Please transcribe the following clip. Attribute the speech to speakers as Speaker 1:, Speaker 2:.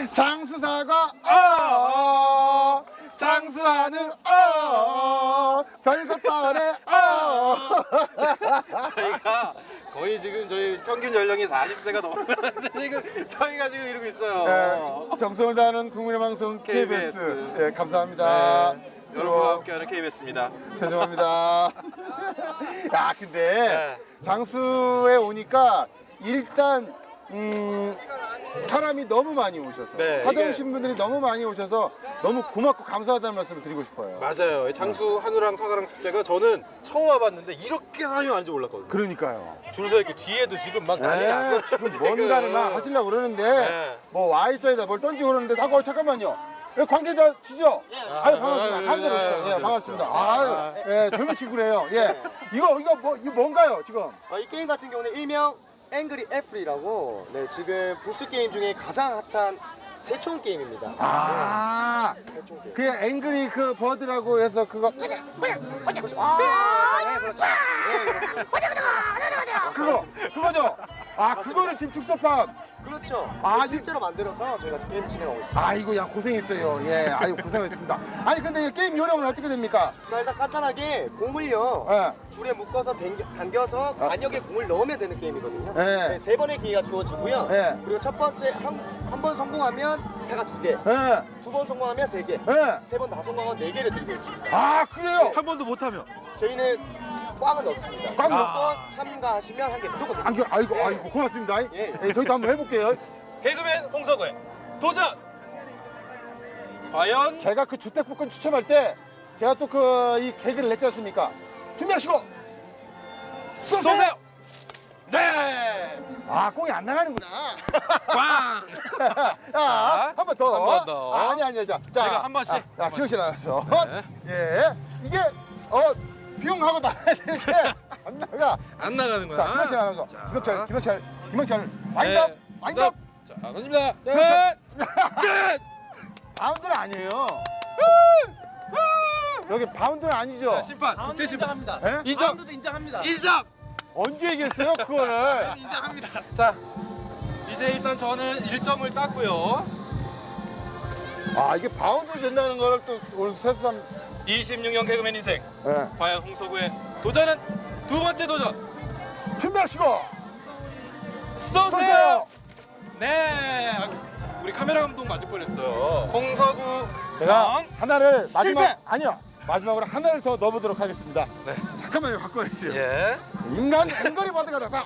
Speaker 1: 장수사가 장수하는 별것도 안 해.
Speaker 2: 저희가 거의 지금 저희 평균 연령이 40세가 넘었는데 지금 저희가 지금 이러고 있어요.
Speaker 1: 네, 정성을 다하는 국민의 방송 KBS. 네, 감사합니다.
Speaker 2: 네, 여러분과 함께하는 KBS입니다.
Speaker 1: 죄송합니다. 야, 근데
Speaker 2: 네.
Speaker 1: 장수에 오니까 일단 사람이 너무 많이 오셔서
Speaker 2: 네,
Speaker 1: 찾아오신 분들이 너무 많이 오셔서 너무 고맙고 감사하다는 말씀을 드리고 싶어요.
Speaker 2: 맞아요. 이 장수 한우랑 사과랑 축제가 저는 처음 와봤는데 이렇게 사람이 많은지 몰랐거든요.
Speaker 1: 그러니까요.
Speaker 2: 줄 서 있고 뒤에도 지금 막 난리 났어.
Speaker 1: 지금 뭔가를 막 하시려고 그러는데
Speaker 2: 네.
Speaker 1: 뭐 Y자에다 뭘 던지고 그러는데 잠깐만요. 관계자시죠? 아유, 반갑습니다. 사람들 오시죠. 예, 반갑습니다. 아유, 예, 젊은 친구래요. 예. 이거 뭔가요, 지금?
Speaker 3: 이 게임 같은 경우는 일명 앵그리 애플이라고 지금 보스 게임 중에 가장 핫한 새총 게임입니다.
Speaker 1: 아,
Speaker 3: 새총 게임.
Speaker 1: 그 앵그리 그 버드라고 해서 그거
Speaker 3: 그렇죠.
Speaker 1: 그거죠? 아, 그거를 지금 즉석판.
Speaker 3: 그렇죠.
Speaker 1: 아,
Speaker 3: 실제로 만들어서 저희가 게임 진행하고 있습니다.
Speaker 1: 아이고, 야, 고생했어요. 예, 아이고, 고생했습니다. 아니, 근데 이 게임 요령은 어떻게 됩니까?
Speaker 3: 자, 일단 간단하게 공을요
Speaker 1: 예.
Speaker 3: 줄에 묶어서 당겨서 관역에 공을 넣으면 되는 게임이거든요.
Speaker 1: 네.
Speaker 3: 네, 3번의 기회가 주어지고요.
Speaker 1: 네.
Speaker 3: 그리고 첫 번째 한 번 성공하면 사가 2개,
Speaker 1: 예,
Speaker 3: 2번 성공하면 3개,
Speaker 1: 예.
Speaker 3: 3번 다 성공하면 4개를 드리고 있습니다.
Speaker 1: 아, 그래요?
Speaker 2: 한 번도 못하면
Speaker 3: 저희는 꽝은 없습니다.
Speaker 1: 꽝은
Speaker 3: 무조건 참가하시면 한 개 무조건 드립니다.
Speaker 1: 아이고,
Speaker 3: 예.
Speaker 1: 아이고, 고맙습니다.
Speaker 3: 예.
Speaker 1: 예, 저희도 한번 해볼게요.
Speaker 2: 개그맨 홍석우의 도전! 과연
Speaker 1: 제가 그 주택복권 추첨할 때 제가 또 그 이 개그를 냈지 않습니까? 준비하시고
Speaker 2: 쏘세요! 네!
Speaker 1: 아, 꽁이 안 나가는구나.
Speaker 2: 빵!
Speaker 1: 자, 한 번 더.
Speaker 2: 한번 더.
Speaker 1: 아니. 자,
Speaker 2: 제가 한 번씩.
Speaker 1: 자,
Speaker 2: 한
Speaker 1: 기영 씨 나와서.
Speaker 2: 네.
Speaker 1: 예. 이게 비용하고 나가야 되는데 안 나가.
Speaker 2: 안 나가는 거야.
Speaker 1: 자, 김영철 나와서.
Speaker 2: 자.
Speaker 1: 김영철. 와인드업.
Speaker 2: 네.
Speaker 1: 와인드업.
Speaker 2: 자, 던집니다.
Speaker 1: 그렇죠.
Speaker 2: 끝!
Speaker 1: 바운드는 아니에요. 여기 바운드는 아니죠.
Speaker 2: 자, 심판. 국대 심판.
Speaker 1: 예?
Speaker 2: 인정.
Speaker 3: 인정합니다.
Speaker 2: 인정.
Speaker 1: 언제 얘기했어요, 그거를?
Speaker 3: 인정합니다.
Speaker 2: 자, 이제 일단 저는 1점을 땄고요.
Speaker 1: 아, 이게 바운드 된다는 거를 또 오늘 새삼.
Speaker 2: 26년 개그맨 인생.
Speaker 1: 예.
Speaker 2: 과연 홍석우의 도전은 두 번째 도전.
Speaker 1: 준비하시고
Speaker 2: 쏘세요.
Speaker 1: 쏘세요.
Speaker 2: 네. 우리 카메라 감독 맞을 뻔했어요. 홍석우
Speaker 1: 제가
Speaker 2: 형.
Speaker 1: 하나를 마지막
Speaker 2: 실패!
Speaker 1: 아니요, 마지막으로 하나를 더 넣어보도록 하겠습니다. 네. 잠깐만요, 바꿔야 어요
Speaker 2: 예.
Speaker 1: 인간 앵거리 버드가 나가.